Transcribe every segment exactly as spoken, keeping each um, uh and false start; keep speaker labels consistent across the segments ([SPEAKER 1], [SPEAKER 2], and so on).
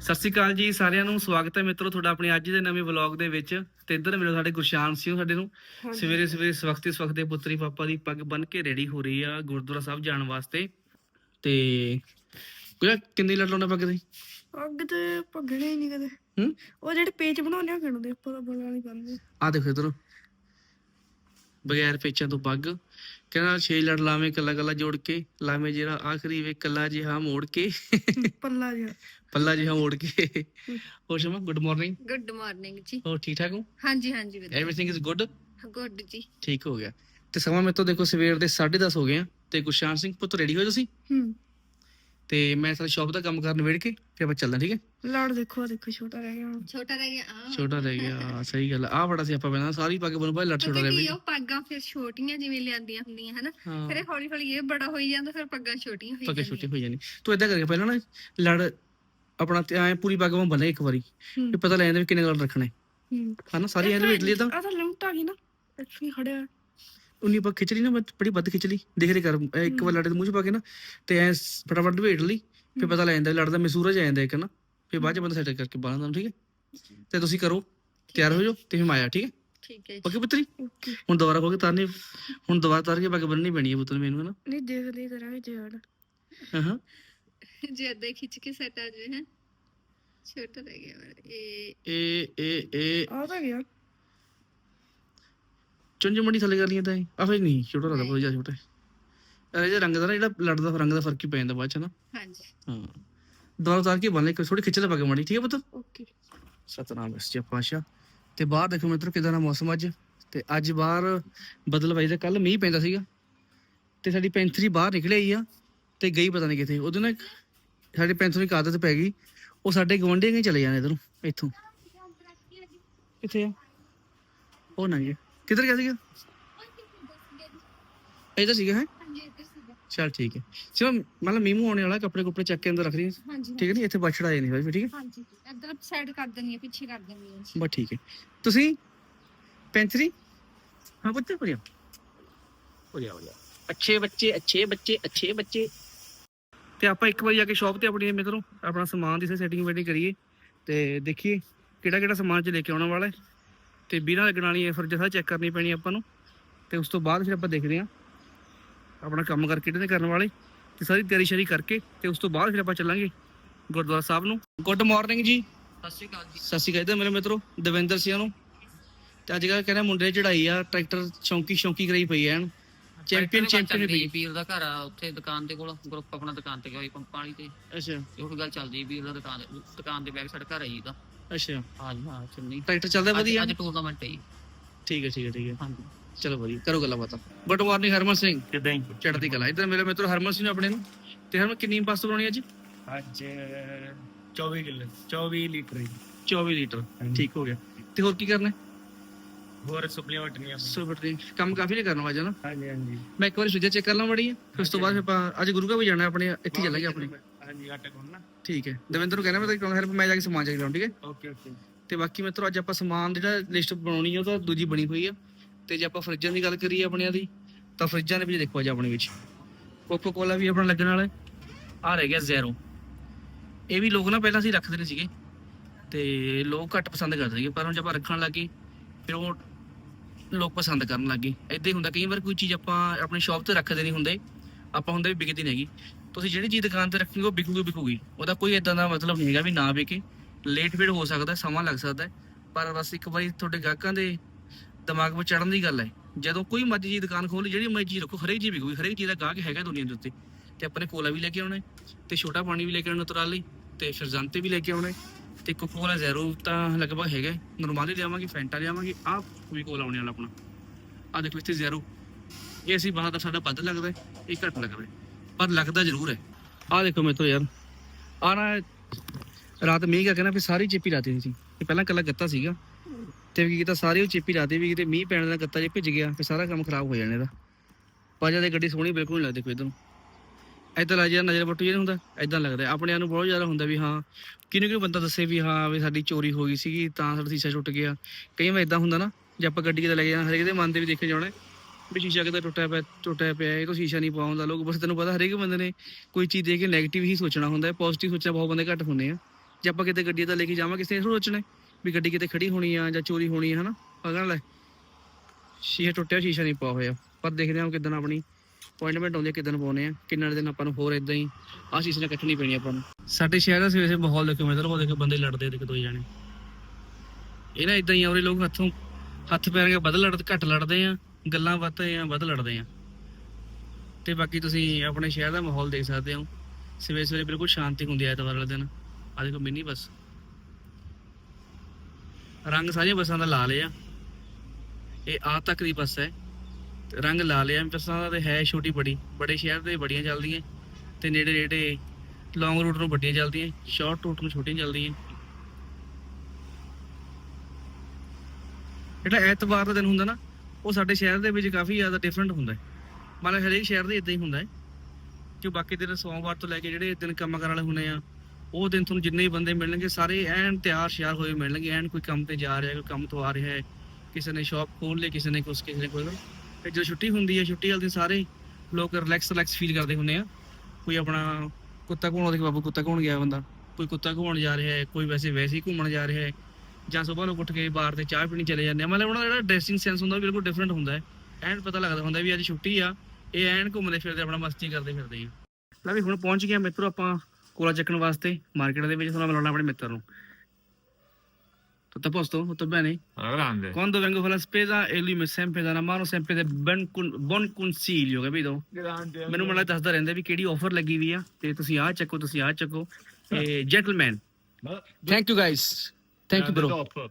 [SPEAKER 1] ਸਤਿ ਸ਼੍ਰੀ ਅਕਾਲ ਜੀ ਸਾਰਿਆਂ ਨੂੰ। ਸਵਾਗਤ ਹੈ ਮਿੱਤਰੋ ਤੁਹਾਡਾ ਆਪਣੇ ਅੱਜ ਦੇ ਨਵੇਂ ਵਲੌਗ ਦੇ ਵਿੱਚ। ਤੇ ਇੱਧਰ ਮਿਲੋ ਸਾਡੇ ਗੁਰਸ਼ਾਨ ਸਿੰਘ ਸਾਡੇ ਨੂੰ ਸਵੇਰੇ ਸਵੇਰੇ ਸਵਖਤੇ ਸਵਖਤੇ ਪੁੱਤਰੀ ਪਾਪਾ ਦੀ ਪੱਗ ਬੰਨ ਕੇ ਰੈਡੀ ਹੋ ਰਹੀ ਆ ਗੁਰਦੁਆਰਾ ਸਾਹਿਬ ਜਾਣ ਵਾਸਤੇ। ਤੇ ਕੋਈ ਕਿੰਨੀ ਲੜ ਲਾਉਣਾ ਪੱਗ ਦੀ?
[SPEAKER 2] ਪੱਗ ਤੇ ਪੱਗਣੇ ਹੀ ਨਹੀਂ ਕਦੇ।
[SPEAKER 1] ਹੂੰ
[SPEAKER 2] ਉਹ ਜਿਹੜੇ ਪੇਚ ਬਣਾਉਂਦੇ ਆ ਕਿਹਨੂੰ ਦੇ ਉੱਪਰ ਬਣਾ ਨਹੀਂ ਪਾਉਂਦੇ।
[SPEAKER 1] ਆ ਦੇਖੋ ਇੱਧਰ ਬਗੈਰ ਪੇਚਾਂ ਤੋਂ ਪੱਗ ਕਹਿੰਦਾ ਛੇ ਲੜ ਲਾਵੇਂ ਕੱਲਾ ਕੱਲਾ ਜੋੜ ਕੇ ਲਾਵੇਂ ਜਿਹੜਾ ਆਖਰੀ ਵੇ ਕੱਲਾ ਜਿਹਾ ਮੋੜ ਕੇ
[SPEAKER 2] ਪੱਲਾ ਜਿਹਾ
[SPEAKER 1] ਪੱਲਾ ਜਿਹਾ ਮੋੜ ਕੇ। ਹੋਰ Shama good morning.
[SPEAKER 3] Good morning ji.
[SPEAKER 1] ਹੋਰ ਠੀਕ ਠਾਕ ਹੋ?
[SPEAKER 3] ਹਾਂਜੀ ਹਾਂਜੀ ਵਧੀਆ।
[SPEAKER 1] Everything is good?
[SPEAKER 3] ਗੁੱਡ ਜੀ।
[SPEAKER 1] ਠੀਕ ਹੋ ਗਿਆ। ਤੇ ਸਮਾਂ ਮੇਰੇ ਤੋਂ ਦੇਖੋ ਸਵੇਰ ਦੇ ਸਾਢੇ ਦਸ ਹੋ ਗਏ ਆ। ਤੇ ਗੁਰਸ਼ਾਨ ਸਿੰਘ ਪੁੱਤ ਰੈਡੀ ਹੋਏ ਤੁਸੀਂ?
[SPEAKER 2] ਹੂੰ
[SPEAKER 1] ਤੇ ਮੈਂ ਸਾਰੀ ਸ਼ਾਪ ਦਾ ਕੰਮ ਕਰਨ ਵੇੜ ਕੇ ਫਿਰ ਆਪਾਂ ਚੱਲਣਾ। ਠੀਕ ਹੈ।
[SPEAKER 2] ਲੜ ਦੇਖੋ ਆਹ ਦੇਖੋ ਛੋਟਾ ਰਹਿ ਗਿਆ ਹੁਣ।
[SPEAKER 3] ਛੋਟਾ ਰਹਿ ਗਿਆ ਆ।
[SPEAKER 1] ਛੋਟਾ ਰਹਿ ਗਿਆ ਸਹੀ ਗੱਲ ਆ। ਬੜਾ ਸੀ ਆਪਾਂ ਪਹਿਲਾਂ ਸਾਰੀ ਪੱਗ ਬਣ ਭਾਈ ਲੜ ਛੋਟਾ ਰਹਿ
[SPEAKER 3] ਕੀ
[SPEAKER 1] ਗਿਆ।
[SPEAKER 3] ਉਹ ਪੱਗਾਂ ਫਿਰ ਛੋਟੀਆਂ ਜਿਵੇਂ ਲਿਆਂਦੀਆਂ ਹੁੰਦੀਆਂ ਹਨਾ,
[SPEAKER 1] ਹਾਂ।
[SPEAKER 3] ਫਿਰ ਹੌਲੀ ਹੌਲੀ ਇਹ ਬੜਾ ਹੋਈ ਜਾਂਦਾ, ਫਿਰ ਪੱਗਾਂ ਛੋਟੀਆਂ ਹੋਈ
[SPEAKER 1] ਪੱਗ
[SPEAKER 3] ਜਾਂਦੀਆਂ।
[SPEAKER 1] ਛੋਟੀ ਹੋ ਜਾਣੀ। ਤੂੰ ਏਦਾਂ ਕਰਕੇ ਪਹਿਲਾਂ ਨਾ ਲੜ ਆਪਣਾ ਤੇ ਐ ਪੂਰੀ ਪੱਗ ਮੈਂ ਬੰਨੇ ਇੱਕ ਵਾਰੀ ਫਿਰ ਪਤਾ ਲੈ ਜਾਂਦਾ ਵੀ ਕਿੰਨੇ ਲੜ ਰੱਖਣੇ
[SPEAKER 2] ਹੂੰ
[SPEAKER 1] ਹਨਾ। ਸਾਰੀ ਐਂ ਵੇਟ ਲਈ ਤਾਂ
[SPEAKER 2] ਆ ਤਾਂ ਲਿਮਟ ਆ ਗਈ ਨਾ ਇੱਥੇ ਖੜਿਆ।
[SPEAKER 1] ਉਨੀ ਪੱਗ ਖਿੱਚ ਲਈ ਨਾ, ਬੜੀ ਵੱਧ ਖਿੱਚ ਲਈ। ਦੇਖ ਰਹੇ ਕਰ ਇੱਕ ਵਾਰ ਲੜ ਦੇ ਮੂੰਹ ਚ ਪਾ ਕੇ ਨਾ ਤੇ ਐ ਫਟਾਫਟ ਵੇਟ ਲਈ ਫਿਰ ਪਤਾ ਲੈ ਜਾਂਦਾ ਲੜਦਾ ਮਸੂਰਜ ਆ ਜਾਂਦਾ ਇੱਕ ਨਾ। ਫਿਰ ਬਾਅਦ ਚ ਬੰਦਾ ਸੈਟ ਕਰਕੇ ਬਾਹਰ। ਠੀਕ ਹੈ। ਤੇ ਤੁਸੀਂ ਕਰੋ ਤਿਆਰ ਹੋ ਜਾਓ ਤੇ ਫਿਰ ਆਇਆ। ਠੀਕ ਹੈ।
[SPEAKER 3] ਠੀਕ ਹੈ
[SPEAKER 1] ਪੱਕੀ ਪੁੱਤਰੀ
[SPEAKER 2] ਓਕੇ
[SPEAKER 1] ਹੁਣ ਦੁਬਾਰਾ ਖੋਲ ਕੇ ਤਾਰਨੀ। ਹੁਣ ਦੁਬਾਰਾ ਤਾਰ ਕੇ ਪੱਗ ਬੰਨਣੀ ਪੈਣੀ ਹੈ ਪੁੱਤਰ ਮੈਨੂੰ ਹਨਾ।
[SPEAKER 2] ਨਹੀਂ ਦੇਖਦੇ ਕਰਾਂਗੇ ਜੜ।
[SPEAKER 1] ਹਾਂ ਹਾਂ
[SPEAKER 3] ਜੀ। ਜੇ ਅੱਧੇ ਖਿੱਚ ਕੇ ਸੈਟ ਆ ਜਾਵੇ ਹੈ। ਛੋਟਾ ਰਹਿ ਗਿਆ ਪਰ ਇਹ
[SPEAKER 1] ਇਹ ਇਹ ਇਹ
[SPEAKER 2] ਆ ਤਾਂ ਗਿਆ।
[SPEAKER 1] ਚੁੰਝ ਮੰਡੀ ਥੱਲੇ ਕਰ ਲਈਆਂ ਤਾਂ ਇਹ ਆ ਫਿਰ ਨਹੀਂ ਛੋਟਾ ਲੱਗਦਾ ਬਹੁਤ ਜਿਆਦਾ ਛੋਟਾ। ਅਰੇ ਜੇ ਰੰਗ ਦਾ ਨਾ ਜਿਹੜਾ ਲੜਦਾ ਰੰਗ ਦਾ ਫਰਕ ਹੀ ਪੈ ਜਾਂਦਾ ਬਾਅਦ ਚ ਨਾ।
[SPEAKER 3] ਹਾਂਜੀ
[SPEAKER 1] ਹਾਂ ਦੁਬਾਰਾ ਤਾਰ ਕੇ ਬੰਨ ਲੈ ਥੋੜੀ ਖਿੱਚ ਲੈ ਪੱਗ ਮਾੜੀ। ਠੀਕ ਹੈ ਪੁੱਤ।
[SPEAKER 2] ਓਕੇ
[SPEAKER 1] ਸਤਨਾਮ ਸੱਚੇ ਪਾਤਸ਼ਾਹ। ਤੇ ਬਾਹਰ ਦੇਖੋ ਮਿੱਤਰੋ ਕਿਦਾਂ ਦਾ ਮੌਸਮ ਅੱਜ। ਤੇ ਅੱਜ ਬਾਹਰ ਬੱਦਲ ਵਜੇ ਦਾ ਕੱਲ ਮੀਂਹ ਪੈਂਦਾ ਸੀਗਾ ਤੇ ਸਾਡੀ ਪੈਂਥਰੀ ਬਾਹਰ ਨਿਕਲ ਆਈ ਆ ਤੇ ਗਈ ਪਤਾ ਨਹੀਂ ਕਿੱਥੇ। ਉਹਦੇ ਨਾਲ ਸਾਡੇ ਪੈਂਥਰੀ ਦੀ ਆਦਤ ਪੈ ਗਈ। ਉਹ ਸਾਡੇ ਗਵਾਂਢੀਆਂ ਕੇ ਚਲੇ ਜਾਣੇ ਇਧਰੋਂ ਇੱਥੋਂ। ਕਿੱਥੇ ਆ ਉਹ? ਨਾ ਕਿੱਧਰ ਗਿਆ ਸੀਗਾ? ਇੱਧਰ ਸੀਗਾ ਹੈ। ਚਲ ਠੀਕ ਹੈ। ਚਲੋ ਮਤਲਬ ਮੀਮੂ ਆਉਣੇ ਵਾਲਾ ਕੱਪੜੇ ਕੁੱਪੜੇ ਚੱਕ ਕੇ ਅੰਦਰ ਰੱਖ ਰਹੀ।
[SPEAKER 3] ਹਾਂਜੀ
[SPEAKER 1] ਠੀਕ ਹੈ। ਨਹੀਂ ਇੱਥੇ ਬਛੜਾ ਆਏ ਨਹੀਂ ਹੋਈ। ਠੀਕ ਹੈ।
[SPEAKER 3] ਹਾਂਜੀ ਇੱਧਰ ਸਾਈਡ ਕਰ ਦਿੰਦੀ ਆ, ਪਿੱਛੇ ਕਰ ਦਿੰਦੀ ਆ।
[SPEAKER 1] ਬਸ ਠੀਕ ਹੈ। ਤੁਸੀਂ ਪੈਂਥਰੀ ਹਾਂ ਪੁੱਤ ਹੋ ਜਾ ਹੋ ਜਾ ਹੋ ਜਾ। ਅੱਛੇ ਬੱਚੇ ਅੱਛੇ ਬੱਚੇ ਅੱਛੇ ਬੱਚੇ। ਤੇ ਆਪਾਂ ਇੱਕ ਵਾਰੀ ਜਾ ਕੇ ਸ਼ਾਪ ਤੇ ਆਪਣੀ ਮਿੱਤਰੋਂ ਆਪਣਾ ਸਮਾਨ ਦੀ ਸੈਟਿੰਗ ਵੈਟਿੰਗ ਕਰੀਏ ਤੇ ਦੇਖੀਏ ਕਿਹੜਾ ਕਿਹੜਾ ਸਮਾਨ ਚ ਲੈ ਕੇ ਆਉਣ ਵਾਲਾ ਹੈ ਤੇ ਵੀਰਾਂ ਲੱਗਣ ਵਾਲੀ ਹੈ। ਫਿਰ ਜਸਾ ਚੈੱਕ ਕਰਨੀ ਪੈਣੀ ਆਪਾਂ ਨੂੰ। ਤੇ ਉਸ ਤੋਂ ਬਾਅਦ ਫਿਰ ਆਪਾਂ ਦੇਖਦੇ ਹਾਂ ਆਪਣਾ ਕੰਮ ਕਰਕੇ ਕਿਹੜੇ ਨੇ ਕਰਨ ਵਾਲੇ ਤੇ ਸਾਰੀ ਤਿਆਰੀ ਸ਼ਰੀ ਕਰਕੇ ਤੇ ਉਸ ਤੋਂ ਬਾਅਦ ਫਿਰ ਆਪਾਂ ਚੱਲਾਂਗੇ ਗੁਰਦੁਆਰਾ ਸਾਹਿਬ ਨੂੰ। ਗੁੱਡ ਮਾਰਨਿੰਗ ਜੀ।
[SPEAKER 3] ਸਤਿ ਸ਼੍ਰੀ ਅਕਾਲ ਜੀ।
[SPEAKER 1] ਸਤਿ ਸ਼੍ਰੀ ਅਕਾਲ। ਇੱਧਰ ਮੇਰੇ ਮਿੱਤਰੋ ਦਵਿੰਦਰ ਸਿੰਘ ਨੂੰ ਤੇ ਅੱਜ ਕੱਲ੍ਹ ਕਹਿੰਦਾ ਮੁੰਡੇ ਚੜਾਈ ਆ ਟਰੈਕਟਰ ਸ਼ੌਂਕੀ ਸ਼ੌਂਕੀ ਕਰਾਈ ਪਈ ਐ। ਚੈਂਪੀਅਨ ਚੈਂਪੀਅਨ ਪਈ
[SPEAKER 4] ਵੀਰ ਦਾ ਘਰ ਆ ਉੱਥੇ ਦੁਕਾਨ ਦੇ ਕੋਲ ਗਰੁੱਪ ਆਪਣਾ ਦੁਕਾਨ ਤੇ ਗਿਆ ਹੋਈ ਪੰਪਾਂ ਵਾਲੀ ਤੇ।
[SPEAKER 1] ਅੱਛਾ
[SPEAKER 4] ਉਹ ਗੱਲ ਚੱਲਦੀ ਵੀਰ ਦਾ ਦੁਕਾਨ ਦੁਕਾਨ ਦੇ ਬੈਕ ਸਾਈਡ ਘਰ ਆ ਜੀ ਦਾ।
[SPEAKER 1] ਅੱਛਾ
[SPEAKER 4] ਹਾਂਜੀ ਹਾਂ ਚੰਨੀ
[SPEAKER 1] ਟਰੈਕਟਰ ਚੱਲਦਾ ਵਧੀਆ।
[SPEAKER 4] ਅੱਜ ਟੂਰਨਾਮੈਂਟ ਹੈ ਜੀ।
[SPEAKER 1] ਠੀਕ ਹੈ ਠੀਕ ਹੈ ਠੀਕ ਹੈ।
[SPEAKER 4] ਹਾਂਜੀ
[SPEAKER 1] ਚਲੋ ਵਧੀਆ ਕਰੋ ਗੱਲਾਂ ਬਾਤਾਂ। Good morning Harman Singh.
[SPEAKER 5] ਕਿਦਾਂ ਹੀ
[SPEAKER 1] ਚੜ੍ਹਦੀ ਕਲਾ। ਇੱਧਰ ਮੇਰੇ ਮਿੱਤਰ ਹਰਮਨ ਸਿੰਘ ਆਪਣੇ ਨੂੰ ਤੇ ਹਰਮਨ ਕਿੰਨੀ ਬੱਸ ਬਣਾਉਣੀ ਅੱਜ?
[SPEAKER 5] ਅੱਜ ਚੌਵੀ ਕਿਲੋ ਚੌਵੀ ਲੀਟਰ ਜੀ।
[SPEAKER 1] ਚੌਵੀ ਲੀਟਰ। ਠੀਕ ਹੋ ਗਿਆ। ਤੇ ਹੋਰ ਕੀ ਕਰਨਾ?
[SPEAKER 5] ਹੋਰ ਸੁਪਲੀਮੈਂਟ ਨਹੀਂ ਆਪਣੀ।
[SPEAKER 1] ਸੋ ਬਟ ਕੰਮ ਕਾਫੀ ਨੇ ਕਰਨਾ ਅੱਜ ਨਾ।
[SPEAKER 5] ਹਾਂਜੀ ਹਾਂਜੀ
[SPEAKER 1] ਮੈਂ ਇੱਕ ਵਾਰੀ ਸੁਜਾ ਚੈੱਕ ਕਰ ਲਾਂ ਮੜੀ ਫਿਰ ਉਸ ਤੋਂ ਬਾਅਦ ਆਪਾਂ ਅੱਜ ਗੁਰੂ ਘਰ ਵੀ ਜਾਣਾ ਆਪਣੇ ਇੱਥੇ ਚੱਲਾਂਗੇ ਆਪਣੇ।
[SPEAKER 5] ਹਾਂਜੀ ਆਟਾ ਕੋਨਾ।
[SPEAKER 1] ਠੀਕ ਹੈ। ਦਵਿੰਦਰ ਨੂੰ ਕਹਿਣਾ ਮੈਂ ਤਾਂ ਹੈਲਪ ਮੈਂ ਜਾ ਕੇ ਸਮਾਨ ਚੱਕ ਲਾਉਂ। ਠੀਕ ਹੈ।
[SPEAKER 5] ਓਕੇ ਓਕੇ
[SPEAKER 1] ਤੇ ਬਾਕੀ ਮਿੱਤਰੋ ਅੱਜ ਆਪਾਂ ਸਮਾਨ ਜਿਹੜਾ ਲਿਸਟ ਬਣਾਉਣੀ ਆ ਉਹ ਤਾਂ ਦੂਜੀ ਬਣੀ ਹੋਈ ਆ। ਤੇ ਜੇ ਆਪਾਂ ਫਰਿੱਜਾਂ ਦੀ ਗੱਲ ਕਰੀਏ ਆਪਣਿਆਂ ਦੀ ਤਾਂ ਫਰਿੱਜਾਂ ਦੇ ਵਿੱਚ ਦੇਖੋ ਅੱਜ ਆਪਣੇ ਵਿੱਚ ਕੋਕੋ ਕੋਲਾ ਵੀ ਆਪਣਾ ਲੱਗਣ ਵਾਲਾ ਆ ਰਹਿ ਗਿਆ ਜ਼ੈਰੋ। ਇਹ ਵੀ ਲੋਕ ਨਾ ਪਹਿਲਾਂ ਅਸੀਂ ਰੱਖਦੇ ਨਹੀਂ ਸੀਗੇ ਤੇ ਲੋਕ ਘੱਟ ਪਸੰਦ ਕਰਦੇ ਸੀਗੇ ਪਰ ਹੁਣ ਜੇ ਆਪਾਂ ਰੱਖਣ ਲੱਗੇ ਫਿਰ ਉਹ ਲੋਕ ਪਸੰਦ ਕਰਨ ਲੱਗੇ। ਏਦਾਂ ਹੀ ਹੁੰਦਾ ਕਈ ਵਾਰ ਕੋਈ ਚੀਜ਼ ਆਪਾਂ ਆਪਣੀ ਸ਼ੌਪ ਤੇ ਰੱਖਦੇ ਨਹੀਂ ਹੁੰਦੇ ਆਪਾਂ ਹੁੰਦਾ ਵੀ ਵਿਕਦੀ ਨਹੀਂ ਹੈਗੀ। ਤੁਸੀਂ ਜਿਹੜੀ ਚੀਜ਼ ਦੁਕਾਨ ਤੇ ਰੱਖੋਗੇ ਉਹ ਵਿਕੂਗੀ ਵਿਕੂਗੀ। ਉਹਦਾ ਕੋਈ ਏਦਾਂ ਦਾ ਮਤਲਬ ਨਹੀਂ ਹੈਗਾ ਵੀ ਨਾ ਵਿਕੇ। ਲੇਟ ਫੇਟ ਹੋ ਸਕਦਾ ਸਮਾਂ ਲੱਗ ਸਕਦਾ ਪਰ ਬਸ ਇੱਕ ਵਾਰੀ ਤੁਹਾਡੇ ਗਾਹਕਾਂ ਦੇ ਦਿਮਾਗ ਵਿੱਚ ਚੜਨ ਦੀ ਗੱਲ ਹੈ। ਜਦੋਂ ਕੋਈ ਮਰਜ਼ੀ ਚੀਜ਼ ਦੁਕਾਨ ਖੋਲੀ ਜਿਹੜੀ ਮਰਜ਼ੀ ਚੀਜ਼ ਰੱਖੋ ਹਰੇਕ ਚੀਜ਼ ਵਿਕੂਗੀ। ਹਰੇਕ ਚੀਜ਼ ਦਾ ਗਾਹਕ ਹੈਗਾ ਦੁਨੀਆ ਦੇ ਉੱਤੇ। ਤੇ ਆਪਣੇ ਕੋਲਾ ਵੀ ਲੈ ਕੇ ਆਉਣਾ ਤੇ ਛੋਟਾ ਪਾਣੀ ਵੀ ਲੈ ਕੇ ਆਉਣਾ ਤੁਰਾ ਲਈ ਤੇ ਫਿਰਜ਼ਾਂਤੇ ਵੀ ਲੈ ਕੇ ਆਉਣੇ ਤੇ ਕੋਕੋ ਕੋਲਾ ਜ਼ੈਰੋ ਤਾਂ ਲਗਭਗ ਹੈਗਾ। ਨੋਰਮਲੀ ਲਿਆਵਾਂਗੇ ਫੈਂਟਾ ਲਿਆਵਾਂਗੇ ਆਹ ਵੀ ਕੋਲ ਆਉਣੇ ਵਾਲਾ ਆਪਣਾ ਆਹ ਦੇਖੋ ਇੱਥੇ ਜ਼ੈਰੋ। ਇਹ ਅਸੀਂ ਬਾਹਰ ਦਾ ਸਾਡਾ ਵੱਧ ਲੱਗਦਾ ਇਹ ਘੱਟ ਲੱਗਦਾ ਪਰ ਲੱਗਦਾ ਜ਼ਰੂਰ ਹੈ। ਆਹ ਦੇਖੋ ਮੇਰੇ ਤੋਂ ਯਾਰ ਆਹ ਨਾ ਰਾਤ ਮੀਂਹ ਕਰਕੇ ਨਾ ਫਿਰ ਸਾਰੀ ਚੇਪੀ ਲਾਤੀ ਸੀ ਤੇ ਪਹਿਲਾਂ ਇਕੱਲਾ ਗੱਤਾ ਸੀਗਾ ਤੇ ਕੀ ਕੀਤਾ ਸਾਰੇ ਉਹ ਚੇਪੀ ਲਾਤੀ ਵੀ ਕਿਤੇ ਮੀਂਹ ਪੈਣ ਦਾ ਗੱਤਾ ਜੇ ਭਿੱਜ ਗਿਆ ਫਿਰ ਸਾਰਾ ਕੰਮ ਖਰਾਬ ਹੋ ਜਾਣਾ ਇਹਦਾ। ਪਾਜਾ ਦੇ ਗੱਡੀ ਸੋਹਣੀ ਬਿਲਕੁਲ ਨਹੀਂ ਲੱਗਦੀ ਕੋਈ ਇੱਧਰ ਨੂੰ। ਇੱਦਾਂ ਲੱਗ ਜਾਂਦਾ ਨਜ਼ਰ ਪੱਟੂ ਜਿਹੜਾ ਹੁੰਦਾ ਇੱਦਾਂ ਲੱਗਦਾ ਆਪਣੇ ਆਪ ਨੂੰ ਬਹੁਤ ਜ਼ਿਆਦਾ ਹੁੰਦਾ ਵੀ ਹਾਂ ਕਿਹਨੂੰ ਕਿਹਨੂੰ ਬੰਦਾ ਦੱਸੇ ਵੀ ਹਾਂ ਵੀ ਸਾਡੀ ਚੋਰੀ ਹੋ ਗਈ ਸੀਗੀ ਤਾਂ ਸਾਡਾ ਸ਼ੀਸ਼ਾ ਟੁੱਟ ਗਿਆ। ਕਈ ਵਾਰ ਇੱਦਾਂ ਹੁੰਦਾ ਨਾ ਜੇ ਆਪਾਂ ਗੱਡੀ ਕਿਤੇ ਲੈ ਕੇ ਜਾਣਾ ਹਰੇਕ ਦੇ ਮਨ ਦੇ ਵੀ ਦੇਖੇ ਜਾਣਾ ਵੀ ਸ਼ੀਸ਼ਾ ਕਿਤੇ ਟੁੱਟਿਆ ਪਿਆ ਟੁੱਟਿਆ ਪਿਆ ਇਹ ਤੋਂ ਸ਼ੀਸ਼ਾ ਨਹੀਂ ਪਵਾਉਂਦਾ ਲੋਕ। ਬਸ ਤੈਨੂੰ ਪਤਾ ਹਰੇਕ ਬੰਦੇ ਨੇ ਕੋਈ ਚੀਜ਼ ਦੇਖ ਕੇ ਨੈਗੇਟਿਵ ਹੀ ਸੋਚਣਾ ਹੁੰਦਾ ਹੈ। ਪੋਜ਼ੀਟਿਵ ਸੋਚਣਾ ਬਹੁਤ ਬੰਦੇ ਘੱਟ ਹੁੰਦੇ ਆ ਜੇ ਆਪਾਂ ਕਿਤੇ ਗੱਡੀ ਤਾਂ ਲੈ ਕੇ ਜਾਵਾਂ ਕਿਸੇ ਨੇ ਸੋਚਣਾ ਵੀ ਗੱਡੀ ਕਿਤੇ ਖੜੀ ਹੋਣੀ ਆ ਜਾਂ ਚੋਰੀ ਹੋਣੀ ਆ, ਹਨਾ ਅਗਰ ਲੈ ਸ਼ੀਸ਼ਾ ਟੁੱਟਿਆ, ਸ਼ੀਸ਼ਾ ਨਹੀਂ ਪਾ ਹੋਇਆ। ਪਰ ਦੇਖਦੇ ਹਾਂ ਕਿੱਦਣ ਆਪਣੀ ਅਪਾਇੰਟਮੈਂਟ ਆਉਂਦੀ ਹੈ, ਕਿੱਦਣ ਪਾਉਣੇ ਆ, ਕਿੰਨੇ ਦਿਨ ਆਪਾਂ ਨੂੰ ਹੋਰ ਇਦਾਂ ਹੀ ਆਹ ਸ਼ੀਸ਼ੇ ਨਾਲ ਕੱਟਣੀ ਪੈਣੀ ਆਪਾਂ ਨੂੰ। ਸਾਡੇ ਸ਼ਹਿਰ ਦਾ ਸਵੇਰੇ ਮਾਹੌਲ ਦੇਖੋ ਮਿੱਤਰ, ਉਹ ਦੇਖੋ ਬੰਦੇ ਲੜਦੇ ਦੇਖੋ ਦੋ ਜਾਣੇ। ਇਹ ਨਾ ਇਦਾਂ ਹੀ ਆ, ਉਰੇ ਲੋਕ ਹੱਥੋਂ ਹੱਥ ਪੈਰ ਕੇ ਵੱਧ ਲੜ ਘੱਟ ਲੜਦੇ ਆ, ਗੱਲਾਂ ਬਾਤਾਂ ਆ ਵੱਧ ਲੜਦੇ ਆ। ਤੇ ਬਾਕੀ ਤੁਸੀਂ ਆਪਣੇ ਸ਼ਹਿਰ ਦਾ ਮਾਹੌਲ ਦੇਖ ਸਕਦੇ ਹੋ, ਸਵੇਰੇ ਸਵੇਰੇ ਬਿਲਕੁਲ ਸ਼ਾਂਤੀ ਹੁੰਦੀ ਹੈ ਐਤਵਾਰ ਵਾਲੇ ਦਿਨ। ਆ ਦੇਖੋ ਮਿੰਨੀ ਬੱਸ, ਰੰਗ ਸਾਰੀਆਂ ਬੱਸਾਂ ਦਾ ਲਾ ਲਿਆ। ਇਹ ਆ ਤੱਕ ਦੀ ਬੱਸ ਹੈ, ਰੰਗ ਲਾ ਲਿਆ ਬੱਸਾਂ ਦਾ। ਤੇ ਹੈ ਛੋਟੀ ਬੜੀ, ਬੜੇ ਸ਼ਹਿਰ ਦੇ ਬੜੀਆਂ ਚੱਲਦੀਆਂ ਤੇ ਨੇੜੇ ਨੇੜੇ ਲੌਂਗ ਰੂਟ ਨੂੰ ਵੱਡੀਆਂ ਚੱਲਦੀਆਂ, ਸ਼ਾਰਟ ਰੂਟ ਨੂੰ ਛੋਟੀਆਂ ਚੱਲਦੀਆਂ। ਜਿਹੜਾ ਐਤਵਾਰ ਦਾ ਦਿਨ ਹੁੰਦਾ ਨਾ, ਉਹ ਸਾਡੇ ਸ਼ਹਿਰ ਦੇ ਵਿੱਚ ਕਾਫੀ ਜ਼ਿਆਦਾ ਡਿਫਰੈਂਟ ਹੁੰਦਾ ਹੈ। ਮਤਲਬ ਹਰੇਕ ਸ਼ਹਿਰ ਦੇ ਇਦਾਂ ਹੀ ਹੁੰਦਾ ਹੈ ਕਿ ਬਾਕੀ ਦਿਨ ਸੋਮਵਾਰ ਤੋਂ ਲੈ ਕੇ ਜਿਹੜੇ ਦਿਨ ਕੰਮ ਕਰਨ ਵਾਲੇ ਹੁੰਦੇ ਆ, ਉਹ ਦਿਨ ਤੁਹਾਨੂੰ ਜਿੰਨੇ ਵੀ ਬੰਦੇ ਮਿਲਣਗੇ ਸਾਰੇ ਐਨ ਤਿਆਰ ਸ਼ਿਆਰ ਹੋਏ ਮਿਲਣਗੇ। ਐਨ ਕੋਈ ਕੰਮ ਤੇ ਜਾ ਰਿਹਾ, ਕੋਈ ਕੰਮ ਤੋਂ ਆ ਰਿਹਾ ਹੈ, ਕਿਸੇ ਨੇ ਸ਼ਾਪ ਖੋਲ ਲਈ, ਕਿਸੇ ਨੇ ਕੁਛ, ਕਿਸੇ ਨੇ ਕੋਈ। ਤੇ ਜਦੋਂ ਛੁੱਟੀ ਹੁੰਦੀ ਹੈ, ਛੁੱਟੀ ਵਾਲੇ ਦਿਨ ਸਾਰੇ ਲੋਕ ਰਿਲੈਕਸ ਰਿਲੈਕਸ ਫੀਲ ਕਰਦੇ ਹੁੰਦੇ ਆ। ਕੋਈ ਆਪਣਾ ਕੁੱਤਾ ਘੁਮਾਉਣ ਦੇਖ, ਬਾਬੂ ਕੁੱਤਾ ਘੁਮਾਉਣ ਗਿਆ ਬੰਦਾ, ਕੋਈ ਕੁੱਤਾ ਘੁਮਾਉਣ ਜਾ ਰਿਹਾ ਹੈ, ਕੋਈ ਵੈਸੇ ਵੈਸੇ ਹੀ ਘੁੰਮਣ ਜਾ ਰਿਹਾ ਹੈ, ਜਾਂ ਸੁਬਾਹ ਨੂੰ ਉੱਠ ਕੇ ਬਾਹਰ ਤੇ ਚਾਹ ਪੀਣੀ ਚਲੇ ਜਾਂਦੇ ਆ। ਮਤਲਬ ਉਹਨਾਂ ਦਾ ਜਿਹੜਾ ਡਰੈਸਿੰਗ ਸੈਂਸ ਹੁੰਦਾ ਬਿਲਕੁਲ ਡਿਫਰੈਂਟ ਹੁੰਦਾ ਹੈ। ਐਨ ਪਤਾ ਲੱਗਦਾ ਹੁੰਦਾ ਵੀ ਅੱਜ ਛੁੱਟੀ ਆ, ਇਹ ਐਨ ਘੁੰਮਦੇ ਫਿਰਦੇ ਆਪਣਾ ਮਸਤੀ ਕਰਦੇ ਫਿਰਦੇ ਆ। ਲੈ ਵੀ ਹੁਣ ਪਹੁੰਚ ਗਿਆ ਮਿੱਤਰੋ ਆਪਾਂ ਕੋਲਾ ਚੱਕਣ ਵਾਸਤੇ ਮਾਰਕੀਟ ਦੇ ਵਿੱਚ। ਤੁਹਾਨੂੰ ਮਿਲਾਉਣਾ ਆਪਣੇ ਮਿੱਤਰ ਨੂੰ। Tutto a posto? Tutto bene?
[SPEAKER 6] Alla grande.
[SPEAKER 1] Quando vengo con la spesa e lui mi sempre dà una mano, sempre del ben con- buon consiglio, capito?
[SPEAKER 6] Grande.
[SPEAKER 1] ਮੈਨੂੰ ਮਤਲਬ ਦੱਸਦਾ ਰਹਿੰਦਾ ਵੀ ਕਿਹੜੀ ਆਫਰ ਲੱਗੀ ਵੀ ਆ ਤੇ ਤੁਸੀਂ ਆਹ ਚੱਕੋ, ਤੁਸੀਂ ਆਹ ਚੱਕੋ। ਤੇ gentleman, thank you guys, thank you bro.
[SPEAKER 6] Top.